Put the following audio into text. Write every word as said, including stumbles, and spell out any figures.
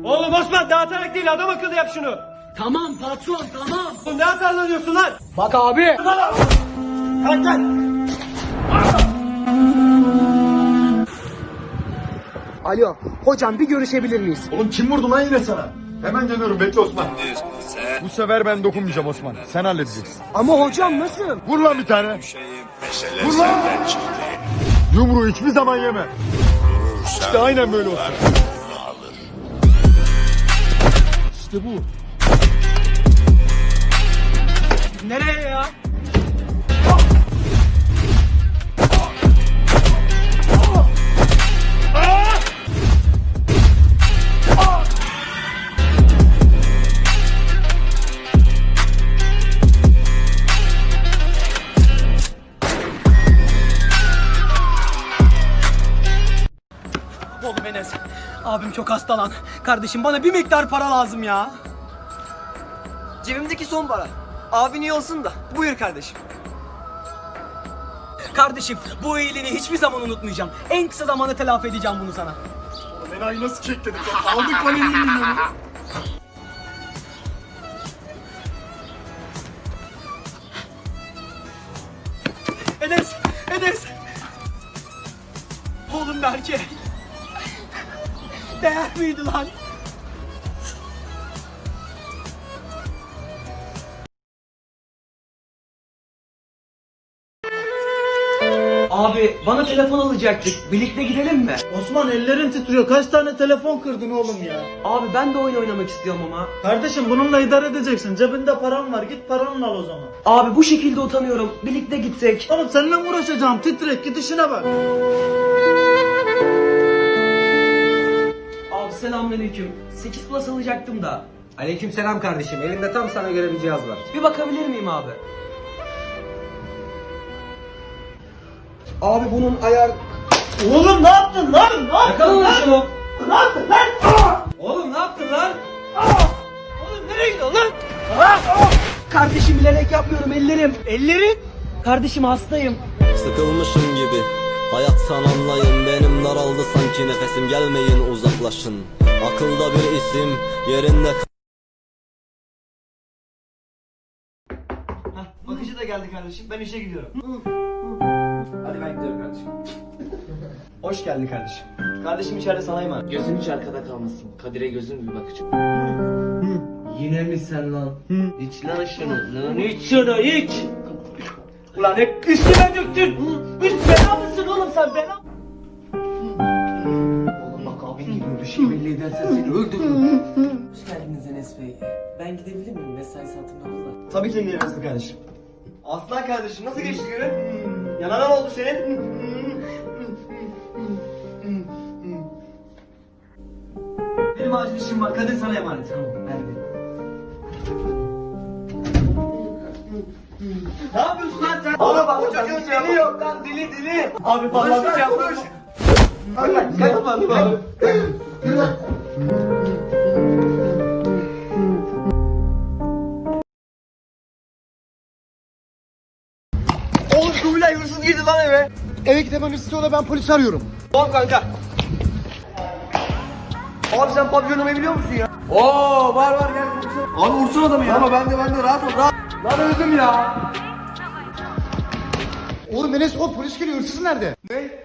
Oğlum Osman dağıtarak değil adam akıllı yap şunu. Tamam patron tamam. Oğlum ne atarlanıyorsun lan? Bak abi. Kalk lan. Alo hocam bir görüşebilir miyiz? Oğlum kim vurdu lan yine sana? Hemen geliyorum, bekle Osman. Bu sefer ben dokunmayacağım Osman. Sen halledeceksin. Ama hocam nasıl? Vur lan bir tane. Vur lan. Yumruğu hiçbir zaman yeme. İşte aynen böyle olsun. İşte bu. Nereye ya? Oğlum Enes. Abim çok hasta lan. Kardeşim bana bir miktar para lazım ya. Cebimdeki son para. Abin iyi olsun da. Buyur kardeşim. Kardeşim bu iyiliğini hiçbir zaman unutmayacağım. En kısa zamanda telafi edeceğim bunu sana. Menayı nasıl kekledik? Aldık lan elli milyonu. Enes! Enes! Oğlum Berke! Değer miydi lan? Abi bana telefon alacaktık. Birlikte gidelim mi? Osman ellerin titriyor. Kaç tane telefon kırdın oğlum ya? Abi ben de oyun oynamak istiyorum ama. Kardeşim bununla idare edeceksin. Cebinde param var. Git paranla al o zaman. Abi bu şekilde utanıyorum. Birlikte gitsek. Oğlum seninle mi uğraşacağım? Titrek git işine bak. Abi selamünaleyküm. sekiz Plus alacaktım da. Aleykümselam kardeşim. Elimde tam sana göre bir cihaz var. Bir bakabilir miyim abi? Abi bunun ayar... Oğlum ne yaptın lan? Ne yaptın Yakalın lan? şunu. Ne yaptın lan? Aa! Oğlum ne yaptın lan? Oğlum nereye gidiyorsun lan? Kardeşim bilerek yapmıyorum ellerim. Ellerin? Kardeşim hastayım. Sıkılmışım gibi hayattan anlayın, benim daraldı sanki nefesim, gelmeyin uzaklaşın. Akılda bir isim yerinde. Bakıcı da geldi kardeşim. Ben işe gidiyorum. Hadi ben gidiyorum kardeşim. Hoş geldin kardeşim. Kardeşim içeride sana emanet. Gözün hiç arkada kalmasın. Kadir'e gözün bir bakacak. Yine mi sen lan? İç lan şunu. Lan iç şunu iç. Ulan hep üstüme döktün. Üst bela mısın oğlum sen bela? Oğlum bak abin geliyor. Bir şey belli edersen seni öldürürüm. Hoş geldiniz Enes Bey. Ben gidebilir miyim? Mesai saatim dokuz var. Tabii ki gidebilirsin kardeşim. Aslan kardeşim nasıl geçti günün? Yanana ne oldu senin? Benim acil işim var. Kadir sana emanet. Tamam. Hadi. Ne yapıyorsun lan sen? Oğlum bak bu çocuğun dili yok lan dili dili. Abi falan bir şey yapmış. Bak kaçma abi. Oğlum Kubilay hırsız girdi lan eve. Eve gidemem istiyorlar, ben polisi arıyorum. Tamam kanka. Abi sen papyonumu biliyor musun ya? Oo var var gel. Abi vursun adamı ya. Ama ben de ben de rahat ol rahat. Lan öldüm ya. Oğlum Enes, o polis geliyor, hırsız nerede? Ne?